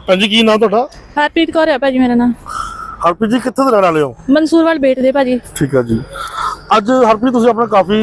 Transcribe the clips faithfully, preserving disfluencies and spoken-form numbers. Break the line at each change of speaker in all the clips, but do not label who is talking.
हाँ जी, की नाम तुहाडा?
हरप्रीत कौर है भाजी मेरा नाम।
हरप्रीत जी कित्थे दे रहने वाले हो?
मंसूरवाल बेट दे भाजी।
ठीक है जी। अज हरप्रीत तुसीं अपने काफी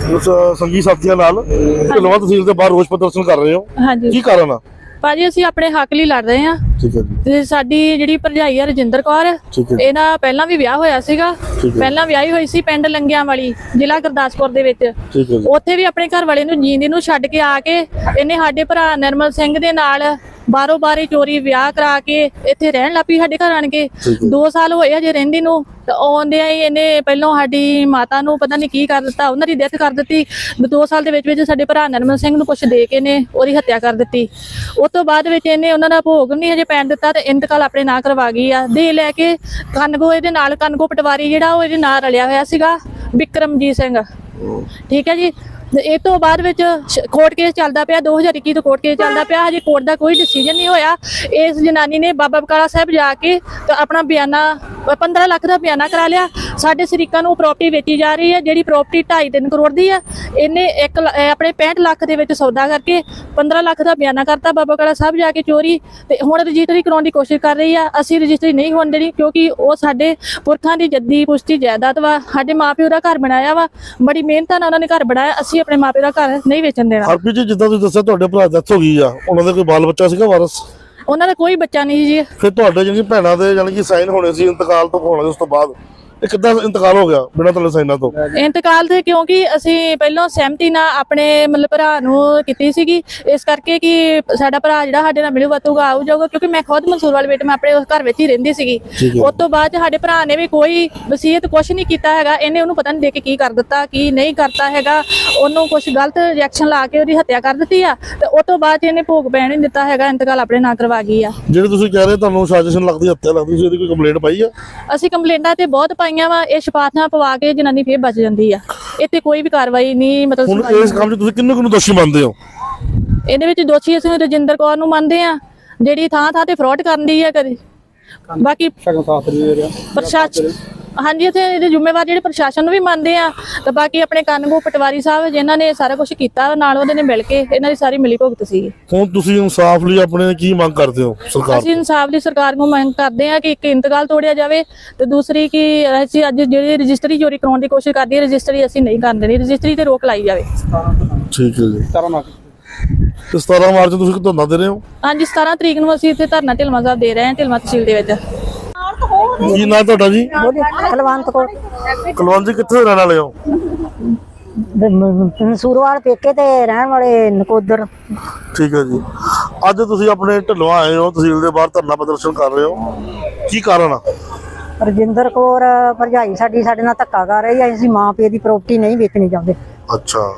संगी साथियों नाल ढिल्लों तहसील दे बाहर रोष प्रदर्शन कर रहे हो,
हाँ जी
की कारण आ?
भाजी ਅਸੀਂ ਆਪਣੇ ਹੱਕ ਲਈ ਲੜ ਰਹੇ ਹਾਂ।
ठीक है जी।
ਤੇ ਸਾਡੀ ਜਿਹੜੀ ਭਰਜਾਈ ਆ ਰਜਿੰਦਰ ਕੌਰ,
ਠੀਕ ਹੈ।
ਇਹਨਾਂ ਪਹਿਲਾਂ ਵੀ ਵਿਆਹ ਹੋਇਆ ਸੀਗਾ।
ਠੀਕ ਹੈ।
ਪਹਿਲਾਂ ਵਿਆਹੀ ਹੋਈ ਸੀ ਪਿੰਡ ਲੰਗਿਆਂ ਵਾਲੀ, ਜ਼ਿਲ੍ਹਾ ਗੁਰਦਾਸਪੁਰ ਦੇ ਵਿੱਚ।
ठीक है जी।
ਉੱਥੇ ਵੀ ਆਪਣੇ ਘਰ ਵਾਲੇ ਨੂੰ ਜੀਂਦੇ ਨੂੰ ਛੱਡ ਕੇ ਆ ਕੇ ਇਹਨੇ ਸਾਡੇ ਭਰਾ ਨਿਰਮਲ ਸਿੰਘ ਦੇ ਨਾਲ ਬਾਰੋ ਬਾਰੀ ਚੋਰੀ ਵਿਆਹ ਕਰਾ ਕੇ ਇੱਥੇ ਰਹਿਣ ਲੱਪੀ ਸਾਡੇ ਘਰ ਆਣ ਕੇ। ਦੋ ਸਾਲ ਹੋਏ ਹਜੇ ਰਹਿੰਦੀ ਨੂੰ। ਤੇ ਆਉਂਦਿਆਂ ਹੀ ਇਹਨੇ ਪਹਿਲਾਂ ਸਾਡੀ ਮਾਤਾ ਨੂੰ ਪਤਾ ਨਹੀਂ ਕੀ ਕਰ ਦਿੱਤਾ, ਉਹਨਾਂ ਦੀ ਡੈਥ ਕਰ ਦਿੱਤੀ। ਦੋ ਸਾਲ ਦੇ ਵਿੱਚ ਵਿੱਚ ਸਾਡੇ ਭਰਾ ਨਿਰਮਲ ਸਿੰਘ ਨੂੰ ਕੁਛ ਦੇ ਕੇ ਨੇ ਉਹਦੀ ਹੱਤਿਆ ਕਰ ਦਿੱਤੀ। ਉਸ ਤੋਂ ਬਾਅਦ ਵਿੱਚ ਇਹਨੇ ਉਹਨਾਂ ਦਾ ਭੋਗ ਨਹੀਂ ਹਜੇ ਪੈਣ ਦਿੱਤਾ ਤੇ ਇੰਤਕਾਲ ਆਪਣੇ ਨਾਂ ਕਰਵਾ ਗਈ ਆ। ਦੇ ਲੈ ਕੇ ਕਨਗੋ ਇਹਦੇ ਨਾਲ ਕਨਗੋ ਪਟਵਾਰੀ ਜਿਹੜਾ ਉਹ ਇਹਦੇ ਨਾਲ ਰਲਿਆ ਹੋਇਆ ਸੀਗਾ, ਵਿਕਰਮਜੀਤ ਸਿੰਘ। ਠੀਕ ਹੈ ਜੀ। ਇਹ ਤੋਂ ਬਾਅਦ ਵਿੱਚ ਕੋਰਟ ਕੇਸ ਚੱਲਦਾ ਪਿਆ, ਦੋ ਹਜ਼ਾਰ ਇੱਕੀ ਤੋਂ ਕੋਰਟ ਕੇਸ ਚੱਲਦਾ ਪਿਆ। ਹਜੇ ਕੋਰਟ ਦਾ ਕੋਈ ਡਿਸੀਜਨ ਨਹੀਂ ਹੋਇਆ। ਇਸ ਜਨਾਨੀ ਨੇ ਬਾਬਾ ਬਕਾਲਾ ਸਾਹਿਬ ਜਾ ਕੇ ਤੇ ਆਪਣਾ ਬਿਆਨਾ ਪੰਦਰਾਂ ਲੱਖ ਦਾ ਬਿਆਨਾ ਕਰਾ ਲਿਆ। ਸਾਡੇ ਸ਼ਰੀਕਾਂ ਨੂੰ ਪ੍ਰਾਪਰਟੀ ਵੇਚੀ ਜਾ ਰਹੀ ਹੈ, ਜਿਹੜੀ ਪ੍ਰਾਪਰਟੀ ਢਾਈ ਤਿੰਨ ਕਰੋੜ ਦੀ ਹੈ। ਇਹਨੇ ਇੱਕ ਆਪਣੇ ਪੈਂਹਠ ਲੱਖ ਦੇ ਵਿੱਚ ਸੌਦਾ ਕਰਕੇ ਪੰਦਰਾਂ ਲੱਖ ਦਾ ਬਿਆਨਾ ਕਰਤਾ ਬਾਬਾ ਬਕਾਲਾ ਸਾਹਿਬ ਜਾ ਕੇ ਚੋਰੀ। ਤੇ ਹੁਣ ਰਜਿਸਟਰੀ ਕਰਾਉਣ ਦੀ ਕੋਸ਼ਿਸ਼ ਕਰ ਰਹੀ ਆ। ਅਸੀਂ ਰਜਿਸਟਰੀ ਨਹੀਂ ਹੋਣ ਦੇਣੀ ਕਿਉਂਕਿ ਉਹ ਸਾਡੇ ਪੁਰਖਾਂ ਦੀ ਜੱਦੀ ਪੁਸ਼ਤੀ ਜਾਇਦਾਦ ਵਾ। ਸਾਡੇ ਮਾਪਿਓ ਦਾ ਘਰ ਬਣਾਇਆ ਵਾ, ਬੜੀ ਮਿਹਨਤ ਨਾਲ ਉਹਨਾਂ ਨੇ ਘਰ ਬਣਾਇਆ। ਅਸੀਂ ਆਪਣੇ ਮਾਪਿਓ ਦਾ ਘਰ ਨਹੀਂ ਵੇਚਣ ਦੇਣਾ।
ਹਰਪ੍ਰੀਤ ਜੀ, ਜਿੱਦਾਂ ਤੁਸੀਂ ਦੱਸਿਆ ਤੁਹਾਡੇ ਭਰਾ ਦੀ ਡੈਥ ਹੋ ਗਈ ਆ, ਉਹਨਾਂ ਦਾ ਕੋਈ ਬਾਲ ਬੱਚਾ ਸੀਗਾ ਵਾਰਸ?
ਉਹਨਾਂ ਦਾ ਕੋਈ ਬੱਚਾ ਨਹੀਂ ਜੀ।
ਫਿਰ ਤੁਹਾਡੇ ਜਿਹੜੀ ਭੈਣਾਂ ਦੇ ਯਾਨੀ ਕਿ ਸਾਈਨ ਹੋਣੇ ਸੀ ਇੰਤਕਾਲ ਤੋਂ ਹੋਣੇ ਉਸ ਤੋਂ ਬਾਅਦ, ਇਹ ਕਿੱਦਾਂ ਇੰਤਕਾਲ ਹੋ ਗਿਆ ਬਿਨਾਂ ਤੁਹਾਡੇ ਸਾਈਨਾਂ ਤੋਂ?
ਇੰਤਕਾਲ ਤੇ ਕਿਉਂਕਿ ਅਸੀਂ ਪਹਿਲਾਂ ਸਹਿਮਤੀ ਨਾਲ ਆਪਣੇ ਮਤਲਬ ਭਰਾ ਨੂੰ ਕੀਤੀ ਸੀਗੀ, ਇਸ ਕਰਕੇ ਕਿ ਸਾਡਾ ਭਰਾ ਜਿਹੜਾ ਸਾਡੇ ਨਾਲ ਮਿਲੂ ਵਰਤੂਗਾ ਆਊ ਜਾਊਗਾ। ਕਿਉਂਕਿ ਮੈਂ ਖੁਦ ਮੰਸੂਰਵਾਲ ਬੇਟ ਮੈਂ ਆਪਣੇ ਉਸ ਘਰ ਵਿੱਚ ਹੀ ਰਹਿੰਦੀ ਸੀਗੀ। ਉਸ ਤੋਂ ਬਾਅਦ ਸਾਡੇ ਭਰਾ ਨੇ ਵੀ ਕੋਈ ਵਸੀਅਤ ਕੁਛ ਨਹੀਂ ਕੀਤਾ ਹੈਗਾ। ਇਹਨੇ ਉਹਨੂੰ ਪਤਾ ਨਹੀਂ ਦੇ ਕੇ ਕੀ ਕਰ ਦਿੱਤਾ ਕੀ ਨਹੀਂ ਕਰਤਾ ਹੈਗਾ। ਉਹਨੂੰ ਕੁਛ ਗਲਤ ਰਿਐਕਸ਼ਨ ਲਾ ਕੇ ਉਹਦੀ ਹੱਤਿਆ ਕਰ ਦਿੱਤੀ ਆ। ਤੇ ਉਸ ਤੋਂ ਬਾਅਦ ਇਹਨੇ ਭੋਗ ਪੈਣ ਨਹੀਂ ਦਿੱਤਾ ਹੈਗਾ, ਇੰਤਕਾਲ ਆਪਣੇ ਨਾਂ ਕਰਵਾ ਗਈ ਆ।
ਜਿਹੜੇ ਤੁਸੀਂ ਕਹਿ ਰਹੇ ਤੁਹਾਨੂੰ ਸਾਜ਼ਿਸ਼ ਲੱਗਦੀ, ਹੱਤਿਆ ਲੱਗਦੀ, ਤੁਸੀਂ ਇਹਦੀ ਕੋਈ ਕੰਪਲੇਂਟ ਪਾਈ ਆ?
ਅਸੀਂ ਕੰਪਲੇਂਟਾਂ ਤੇ ਬਹੁਤ ਪਾਈਆਂ ਵਾ। ਇਹ ਸ਼ਪਾਥਾਂ ਪਵਾ ਕੇ ਜਨਾਨੀ ਫੇਰ ਬਚ ਜਾਂਦੀ ਆ। ਇੱਥੇ ਕੋਈ ਵੀ ਕਾਰਵਾਈ ਨਹੀਂ ਮਤਲਬ।
ਹੁਣ ਇਸ ਕੰਮ 'ਚ ਤੁਸੀਂ ਕਿੰਨੂੰ ਕਿੰਨੂੰ ਦੋਸ਼ੀ ਮੰਨਦੇ ਹੋ?
ਇਹਦੇ ਵਿੱਚ ਦੋਸ਼ੀ ਅਸੀਂ ਰਜਿੰਦਰ ਕੌਰ ਨੂੰ ਮੰਨਦੇ ਆ, ਜਿਹੜੀ ਥਾਂ ਥਾਂ ਤੇ ਫਰਾਡ ਕਰਦੀ ਆ ਕਦੇ। ਬਾਕੀ ਪ੍ਰਸ਼ਾਸਨ, ਹਾਂਜੀ, ਇੱਥੇ ਇਹਦੇ ਜ਼ਿੰਮੇਵਾਰ ਜਿਹੜੇ ਪ੍ਰਸ਼ਾਸਨ ਨੂੰ ਵੀ ਮੰਨਦੇ ਆ। ਤੇ ਬਾਕੀ ਆਪਣੇ ਕਨਗੋ ਪਟਵਾਰੀ ਸਾਹਿਬ ਜਿਨ੍ਹਾਂ ਨੇ ਸਾਰਾ ਕੁਝ ਕੀਤਾ ਨਾਲ ਉਹਦੇ ਨੇ ਮਿਲ ਕੇ, ਇਹਨਾਂ ਦੀ ਸਾਰੀ ਮਿਲੀ ਭੁਗਤ ਸੀ।
ਹੁਣ ਤੁਸੀਂ ਇਨਸਾਫ ਲਈ ਆਪਣੇ ਕੀ ਮੰਗ ਕਰਦੇ ਹੋ ਸਰਕਾਰ?
ਅਸੀਂ ਇਨਸਾਫ ਦੀ ਸਰਕਾਰ ਨੂੰ ਮੰਗ ਕਰਦੇ ਆ ਕਿ ਇੱਕ ਇੰਤਕਾਲ ਤੋੜਿਆ ਜਾਵੇ ਤੇ ਦੂਸਰੀ ਕਿ ਅਸੀਂ ਅੱਜ ਜਿਹੜੀ ਰਜਿਸਟਰੀ ਚੋਰੀ ਕਰਾਉਣ ਦੀ ਕੋਸ਼ਿਸ਼ ਕਰਦੀ ਹੈ, ਰਜਿਸਟਰੀ ਅਸੀਂ ਨਹੀਂ ਕਰਨ ਦੇਣੀ, ਰਜਿਸਟਰੀ ਤੇ ਰੋਕ ਲਾਈ ਜਾਵੇ।
ਠੀਕ ਹੈ ਜੀ। ਤੇ ਸਤਾਰਾਂ ਮਾਰਚ ਤੁਸੀਂ ਧਰਨਾ ਦੇ ਰਹੇ ਹੋ? ਹਾਂਜੀ,
ਸਤਾਰਾਂ ਤਰੀਕ ਨੂੰ ਅਸੀਂ ਇੱਥੇ ਧਰਨਾ ਢਿਲਮਾ ਸਾਹਿਬ ਦੇ ਰਹੇ ਹਾਂ, ਢਿਲਮਾ ਤਹਿਸੀਲ ਦੇ ਵਿੱਚ।
ਕੀ ਨਾਂ ਤੁਹਾਡਾ ਜੀ?
ਕੁਲਵੰਤ ਕੌਰ।
ਕੁਲਵੰਤ ਜੀ, ਕਿੱਥੇ ਰਹਿਣ ਵਾਲੇ ਹੋ?
ਮੰਸੂਰਵਾਲ ਪੇਕੇ ਤੇ ਰਹਿਣ ਵਾਲੇ ਨਕੋਦਰ।
ਠੀਕ ਹੈ ਜੀ। ਅੱਜ ਤੁਸੀਂ ਆਪਣੇ ਢਿੱਲੋਂ ਆਏ ਹੋ, ਤਹਿਸੀਲ ਦੇ ਬਾਹਰ ਧਰਨਾ ਪ੍ਰਦਰਸ਼ਨ ਕਰ ਰਹੇ ਹੋ, ਕੀ ਕਾਰਨ ਆ?
ਰਜਿੰਦਰ ਕੌਰ ਭਰਜਾਈ ਸਾਡੀ ਸਾਡੇ ਨਾਲ ਧੱਕਾ ਕਰ ਰਹੀ ਹੈ। ਅਸੀਂ ਮਾਂ ਪਿਓ ਦੀ ਪ੍ਰਾਪਰਟੀ ਨਹੀਂ ਵੇਚਣੀ ਚਾਹੁੰਦੇ।
ਅੱਛਾ,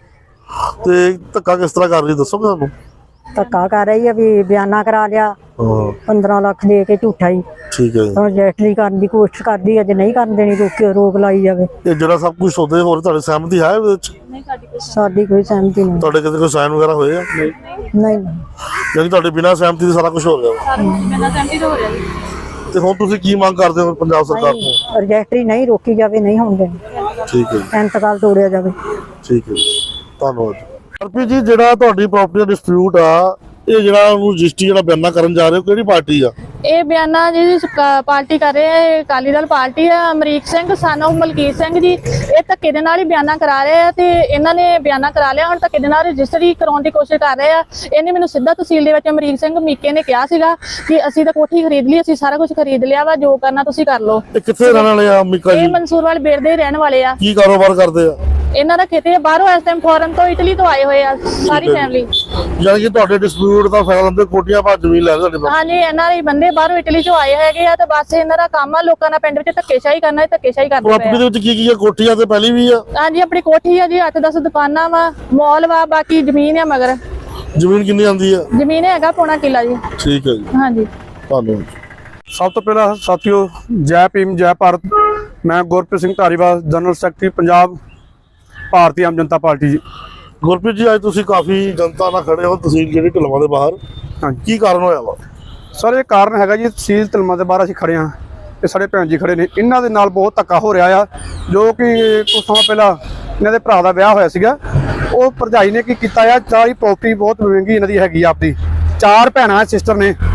ਤੇ ਧੱਕਾ ਕਿਸ ਤਰ੍ਹਾਂ ਕਰ ਰਹੀ ਦੱਸੋਗੇ ਸਾਨੂੰ?
ਧੱਕਾ ਕਰ ਰਹੀ ਹੈ ਵੀ ਬਿਆਨਾ ਕਰਾ ਲਿਆ
ਹਾਂ,
ਪੰਦਰਾਂ ਲੱਖ ਦੇ ਕੇ ਝੂਠਾ ਹੀ।
ਠੀਕ ਹੈ ਜੀ।
ਹੁਣ ਰਜਿਸਟਰੀ ਕਰਨ ਦੀ ਕੋਸ਼ਿਸ਼ ਕਰਦੀ ਹੈ, ਜੇ ਨਹੀਂ ਕਰਨ ਦੇਣੀ ਰੋਕ ਰੋਕ ਲਾਈ ਜਾਵੇ।
ਇਹ ਜਿਹੜਾ ਸਭ ਕੁਝ ਸੌਦੇ ਹੋਰ ਤੁਹਾਡੀ ਸਹਿਮਤੀ ਹੈ ਇਹਦੇ ਵਿੱਚ?
ਸਾਡੀ ਕੋਈ ਸਹਿਮਤੀ ਨਹੀਂ।
ਤੁਹਾਡੇ ਕਿਤੇ ਕੋਈ ਸਾਈਨ ਵਗੈਰਾ ਹੋਏ ਆ?
ਨਹੀਂ,
ਯਾਨੀ ਤੁਹਾਡੇ ਬਿਨਾਂ ਸਹਿਮਤੀ ਦੇ ਸਾਰਾ ਕੁਝ ਹੋ ਰਿਹਾ?
ਬਿਨਾਂ ਸਹਿਮਤੀ ਤੋਂ ਹੋ ਰਿਹਾ ਜੀ।
ਤੇ ਹੁਣ ਤੁਸੀਂ ਕੀ ਮੰਗ ਕਰਦੇ ਹੋ ਪੰਜਾਬ ਸਰਕਾਰ ਤੋਂ?
ਰਜਿਸਟਰੀ ਨਹੀਂ ਰੋਕੀ ਜਾਵੇ, ਨਹੀਂ ਹੋਣ ਦੇਣੀ।
ਠੀਕ ਹੈ,
ਇੰਤਕਾਲ ਤੋੜਿਆ ਜਾਵੇ।
ਠੀਕ ਹੈ, ਧੰਨਵਾਦ। ਹਰਪ੍ਰੀਤ ਜੀ, ਜਿਹੜਾ ਤੁਹਾਡੀ ਪ੍ਰਾਪਰਟੀ ਦਾ ਡਿਸਪਿਊਟ ਆ, ਇਹ ਜਿਹੜਾ ਉਹਨੂੰ ਰਜਿਸਟਰੀ ਜਿਹੜਾ ਬਿਆਨਾ ਕਰਨ ਜਾ ਰਹੇ ਹੋ, ਕਿਹੜੀ ਪਾਰਟੀ ਆ?
ਇਹ ਬਿਆਨਾ ਜਿਹੜੀ ਪਾਰਟੀ ਕਰ ਰਹੇ ਆ, ਅਕਾਲੀ ਦਲ ਪਾਰਟੀ ਆ। ਅਮਰੀਕ ਸਿੰਘ ਸਨ ਆਫ ਮਲਕੀਤ ਸਿੰਘ ਜੀ, ਇਹ ਧੱਕੇ ਦੇ ਨਾਲ ਹੀ ਬਿਆਨਾ ਕਰਾ ਰਹੇ ਆ ਤੇ ਇਹਨਾਂ ਨੇ ਬਿਆਨਾ ਕਰਾ ਲਿਆ। ਹੁਣ ਧੱਕੇ ਦੇ ਨਾਲ ਰਜਿਸਟਰੀ ਕਰਾਉਣ ਦੀ ਕੋਸ਼ਿਸ਼ ਕਰ ਰਹੇ ਆ। ਇਹਨੇ ਮੈਨੂੰ ਸਿੱਧਾ ਤਹਿਸੀਲ ਦੇ ਵਿੱਚ ਅਮਰੀਕ ਸਿੰਘ ਮੀਕੇ ਨੇ ਕਿਹਾ ਸੀਗਾ ਕਿ ਅਸੀਂ ਤਾਂ ਕੋਠੀ ਖਰੀਦ ਲਈ, ਅਸੀਂ ਸਾਰਾ ਕੁਝ ਖਰੀਦ ਲਿਆ ਵਾ, ਜੋ ਕਰਨਾ ਤੁਸੀਂ ਕਰ ਲਓ।
ਇਹ ਕਿੱਥੇ ਰਹਿਣ ਵਾਲੇ ਆ ਮੀਕਾ ਜੀ?
ਇਹ ਮੰਸੂਰਵਾਲ ਬੇਟ ਦੇ ਰਹਿਣ ਵਾਲੇ ਆ।
ਕੀ ਕਾਰੋਬਾਰ ਕਰਦੇ ਆ?
ਇਹਨਾਂ ਦਾ ਖੇਤੀ ਹੈ, ਬਾਹਰੋਂ ਇਸ ਟਾਈਮ ਫੋਰਨ ਤੋਂ ਇਟਲੀ ਤੋਂ ਆਏ ਹੋਏ ਆ ਸਾਰੀ ਫੈਮਿਲੀ।
ਯਾਨੀ ਕਿ ਤੁਹਾਡੇ ਡਿਸਪਿਊਟ ਦਾ ਫਾਇਦਾ ਲੈਂਦੇ ਕੋਠੀਆਂ ਭਾ ਜ਼ਮੀਨ ਲੈ ਤੁਹਾਡੇ ਕੋਲ?
ਹਾਂਜੀ, ਇਹਨਾਂ ਦੇ ਬੰਦੇ ਬਾਹਰੋਂ ਇਟਲੀ ਤੋਂ ਆਏ ਹੈਗੇ ਆ ਤੇ ਬਸ ਇਹਨਾਂ ਦਾ ਕੰਮ ਆ ਲੋਕਾਂ ਨਾਲ ਪਿੰਡ ਵਿੱਚ ਧੱਕੇਸ਼ਾਹੀ ਕਰਨਾ, ਧੱਕੇਸ਼ਾਹੀ ਕਰਦੇ
ਪ੍ਰਾਪਰਟੀ ਦੇ ਵਿੱਚ ਕੀ ਕੀ ਆ? ਕੋਠੀਆਂ ਤੇ ਪਹਿਲੀ ਵੀ ਆ?
ਹਾਂਜੀ, ਆਪਣੀ ਕੋਠੀ ਆ ਜੀ, ਅੱਠ ਦਸ ਦੁਕਾਨਾਂ ਵਾ, ਮਾਲ ਵਾ, ਬਾਕੀ ਜ਼ਮੀਨ ਆ। ਮਗਰ
ਜ਼ਮੀਨ ਕਿੰਨੀ ਆਉਂਦੀ ਆ?
ਜ਼ਮੀਨ ਹੈਗਾ ਪੌਣਾ ਕਿੱਲਾ ਜੀ।
ਠੀਕ ਹੈ ਜੀ,
ਹਾਂਜੀ,
ਧੰਨਵਾਦ।
ਸਭ ਤੋਂ ਪਹਿਲਾਂ ਸਾਥੀਓ, ਜੈ ਭੀਮ ਜੈ ਭਾਰਤ। ਮੈਂ Gurpreet Singh Dhariwal, general secretary Punjab Bharti Aam Janta party ji.
Gurpreet ਜੀ, ਅੱਜ ਤੁਸੀਂ ਕਾਫੀ ਜਨਤਾ ਨਾਲ ਖੜੇ ਹੋ ਤਹਿਸੀਲ ਜਿਹੜੀ ਢਿਲਵਾਂ ਦੇ ਬਾਹਰ,
ਹਾਂਜੀ,
ਕੀ ਕਾਰਨ ਹੋਇਆ ਵਾ?
ਸਰ ਇਹ ਕਾਰਨ ਹੈਗਾ ਜੀ, ਤਹਿਸੀਲ ਢਿਲਵਾਂ ਦੇ ਬਾਹਰ ਅਸੀਂ ਖੜੇ ਹਾਂ ਤੇ ਸਾਡੇ ਭੈਣ ਜੀ ਖੜੇ ਨੇ। ਇਹਨਾਂ ਦੇ ਨਾਲ ਬਹੁਤ ਧੱਕਾ ਹੋ ਰਿਹਾ ਆ, ਜੋ ਕਿ ਕੁਝ ਸਮਾਂ ਪਹਿਲਾਂ ਇਹਨਾਂ ਦੇ ਭਰਾ ਦਾ ਵਿਆਹ ਹੋਇਆ ਸੀਗਾ। ਉਹ ਭਰਜਾਈ ਨੇ ਕੀ ਕੀਤਾ ਆ, ਸਾਰੀ ਪ੍ਰਾਪਰਟੀ ਬਹੁਤ ਮਹਿੰਗੀ ਇਹਨਾਂ ਦੀ ਹੈਗੀ ਆ, ਆਪਦੀ ਚਾਰ ਭੈਣਾਂ ਸਿਸਟਰ ਨੇ।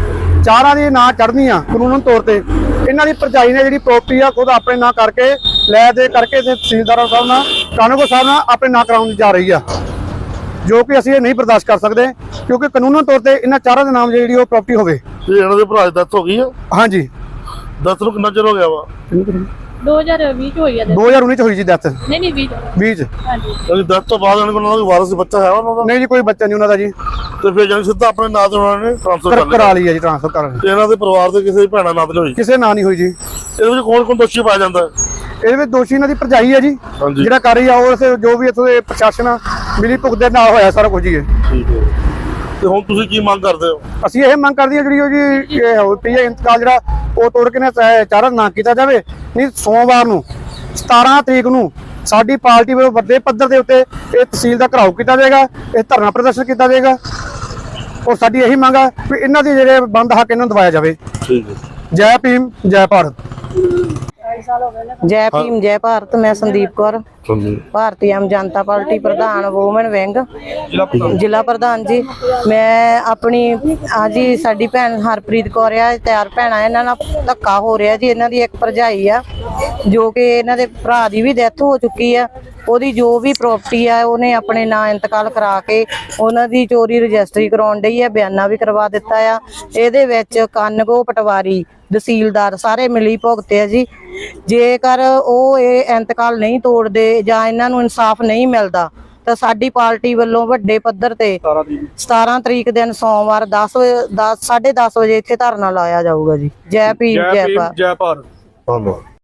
ਚਾਰਾਂ ਦੀ ਨਾਂ ਚੜ੍ਹਦੀਆਂ ਕਾਨੂੰਨ ਤੌਰ ਤੇ। ਇਹਨਾਂ ਦੀ ਭਰਜਾਈ ਨੇ ਜਿਹੜੀ ਪ੍ਰਾਪਰਟੀ ਆ ਖੁਦ ਆਪਣੇ ਨਾਂ ਕਰਕੇ ਲੈ ਦੇ ਕਰਕੇ ਤੇ ਤਹਿਸੀਲਦਾਰ ਸਾਹਿਬ ਨਾਲ ਕਾਨੂੰਗੋ ਸਾਹਿਬ ਨਾਲ ਆਪਣੇ ਨਾਂ ਕਰਾਉਣ ਜਾ ਰਹੀ ਆ, ਜੋ ਕਿ ਅਸੀਂ ਇਹ ਨਹੀਂ ਬਰਦਾਸ਼ਤ ਕਰ ਸਕਦੇ, ਕਿਉਂਕਿ ਕਾਨੂੰਨ ਤੌਰ ਤੇ ਇਹਨਾਂ ਚਾਰਾਂ ਦੇ ਨਾਮ ਜਿਹੜੀ ਉਹ ਪ੍ਰਾਪਰਟੀ ਹੋਵੇ।
ਤੇ ਇਹਨਾਂ ਦੇ ਭਰਾ ਦੀ ਡੈਥ ਹੋ ਗਈ ਆ?
ਹਾਂਜੀ।
ਡੈਥ ਨੂੰ ਕਿੰਨਾ ਚਿਰ ਹੋ ਗਿਆ ਵਾ?
ਦੋ ਹਜ਼ਾਰ ਵੀਹ ਚ ਹੋਈ ਆ death।
ਦੋ ਹਜ਼ਾਰ ਉੱਨੀ ਚ ਹੋਈ ਜੀ ਡੈਥ।
ਨਹੀਂ ਨਹੀਂ ਵੀਹ ਚ।
ਵੀਹ ਚ।
ਹਾਂਜੀ।
ਯਾਨੀ ਡੈਥ ਤੋਂ ਬਾਅਦ ਇਹਨਾਂ ਕੋਲ ਉਹਨਾਂ ਦਾ ਕੋਈ ਵਾਰਸ ਬੱਚਾ ਹੈ ਉਹਨਾਂ ਦਾ?
ਨਹੀਂ ਜੀ, ਕੋਈ ਬੱਚਾ ਨਹੀਂ ਉਹਨਾਂ ਦਾ ਜੀ।
ਤੇ ਫਿਰ ਜਾਨੀ ਸਿੱਧਾ ਆਪਣੇ ਨਾਂ ਤੇ ਉਹਨਾਂ ਨੇ ਟ੍ਰਾਂਸਫਰ ਕਰ ਲਿਆ?
ਕਰਾ ਲਈ ਹੈ ਜੀ ਟ੍ਰਾਂਸਫਰ ਕਰ ਲਈ।
ਤੇ ਇਹਨਾਂ ਦੇ ਪਰਿਵਾਰ ਦੇ ਕਿਸੇ ਭੈਣਾਂ ਨਾਂ ਤੇ ਨਹੀਂ ਹੋਈ?
ਕਿਸੇ ਨਾਂ ਨਹੀਂ ਹੋਈ ਜੀ।
ਇਹਦੇ ਵਿੱਚ ਕੌਣ ਕੌਣ ਦੋਸ਼ੀ ਪਾਇਆ ਜਾਂਦਾ ਹੈ?
ਇਹਦੇ ਵਿੱਚ ਦੋਸ਼ੀ ਇਹਨਾਂ ਦੀ ਭਰਜਾਈ ਹੈ ਜੀ,
ਹਾਂਜੀ।
ਜਿਹੜਾ ਕਰ ਰਹੀ ਆ ਉਹ ਇੱਥੇ ਜੋ ਵੀ ਇੱਥੋਂ ਦੇ ਪ੍ਰਸ਼ਾਸਨ ਆ, ਮਿਲੀ ਭੁਗਤ ਦੇ ਨਾਲ ਹੋਇਆ ਸਾਰਾ ਕੁਝ ਜੀ ਇਹ।
ਠੀਕ ਹੈ। ਤੇ ਹੁਣ ਤੁਸੀਂ ਕੀ ਮੰਗ ਕਰਦੇ ਹੋ?
ਅਸੀਂ ਇਹ ਮੰਗ ਕਰਦੇ ਹਾਂ ਜਿਹੜੀ ਉਹ ਜੀ ਇਹ ਹੋ ਪਈ ਹੈ ਇੰਤਕਾਲ ਜਿਹੜਾ ਉਹ ਤੋੜ ਕੇ ਨਾ ਚਾਰਾਂ ਨਾ ਕੀਤਾ ਜਾਵੇ। ਨਹੀਂ, ਸੋਮਵਾਰ ਨੂੰ ਸਤਾਰਾਂ ਤਰੀਕ ਨੂੰ ਸਾਡੀ ਪਾਰਟੀ ਵੱਲੋਂ ਵੱਡੇ ਪੱਧਰ ਦੇ ਉੱਤੇ ਇਹ ਤਹਿਸੀਲ ਦਾ ਘਰਾਓ ਕੀਤਾ ਜਾਏਗਾ, ਇਹ ਧਰਨਾ ਪ੍ਰਦਰਸ਼ਨ ਕੀਤਾ ਜਾਏਗਾ। ਔਰ ਸਾਡੀ ਇਹੀ ਮੰਗ ਆ ਵੀ ਇਹਨਾਂ ਦੇ ਜਿਹੜੇ ਬੰਦ ਹੱਕ ਇਹਨਾਂ ਨੂੰ ਦਵਾਇਆ ਜਾਵੇ।
ਠੀਕ ਹੈ।
ਜੈ ਭੀਮ, ਜੈ ਭਾਰਤ।
ਜੈ ਭੀਮ ਜੈ ਭਾਰਤ। ਮੈਂ ਸੰਦੀਪ ਕੌਰ, ਭਾਰਤੀ ਆਮ ਜਨਤਾ ਪਾਰਟੀ ਪ੍ਰਧਾਨ ਵੂਮਨ ਵਿੰਗ, ਜ਼ਿਲ੍ਹਾ ਪ੍ਰਧਾਨ ਜੀ। ਮੈਂ ਆਪਣੀ ਹਾਂਜੀ ਸਾਡੀ ਭੈਣ ਹਰਪ੍ਰੀਤ ਕੌਰ ਆ, ਤਿਆਰ ਭੈਣਾਂ, ਇਹਨਾਂ ਨਾਲ ਧੱਕਾ ਹੋ ਰਿਹਾ ਜੀ। ਇਹਨਾਂ ਦੀ ਇੱਕ ਭਰਜਾਈ ਆ ਜੋ ਕਿ ਇਹਨਾਂ ਦੇ ਭਰਾ ਦੀ ਵੀ ਡੈਥ ਹੋ ਚੁੱਕੀ ਆ। ਉਹਦੀ ਜੋ ਵੀ ਪ੍ਰਾਪਰਟੀ ਆ ਉਹਨੇ ਆਪਣੇ ਨਾਂ ਇੰਤਕਾਲ ਕਰਾ ਕੇ ਉਹਨਾਂ ਦੀ ਚੋਰੀ ਰਜਿਸਟਰੀ ਕਰਾਉਣ ਡਈ ਆ, ਬਿਆਨਾ ਵੀ ਕਰਵਾ ਦਿੱਤਾ ਆ। ਇਹਦੇ ਵਿੱਚ ਕਾਨਗੋ, ਪਟਵਾਰੀ, ਤਹਿਸੀਲਦਾਰ ਸਾਰੇ ਮਿਲੀ ਭੁਗਤੇ ਆ ਜੀ। ਜੇਕਰ ਉਹ ਇਹ ਇੰਤਕਾਲ ਨਹੀਂ ਤੋੜਦੇ ਜਾਂ ਇਹਨਾਂ ਨੂੰ ਇਨਸਾਫ ਨਹੀਂ ਮਿਲਦਾ ਤਾਂ ਸਾਡੀ ਪਾਰਟੀ ਵੱਲੋਂ ਵੱਡੇ ਪੱਧਰ ਤੇ ਸਤਾਰਾਂ ਤਰੀਕ ਦਿਨ ਸੋਮਵਾਰ ਦਸ ਦਸ ਸਾਢੇ ਦਸ ਵਜੇ ਇੱਥੇ ਧਰਨਾ ਲਾਇਆ ਜਾਊਗਾ ਜੀ। ਜੈ ਭੀਮ, ਜੈ ਭਾਰਤ।
ਜੈ ਭਾਰਤ।
ਧੰਨਵਾਦ।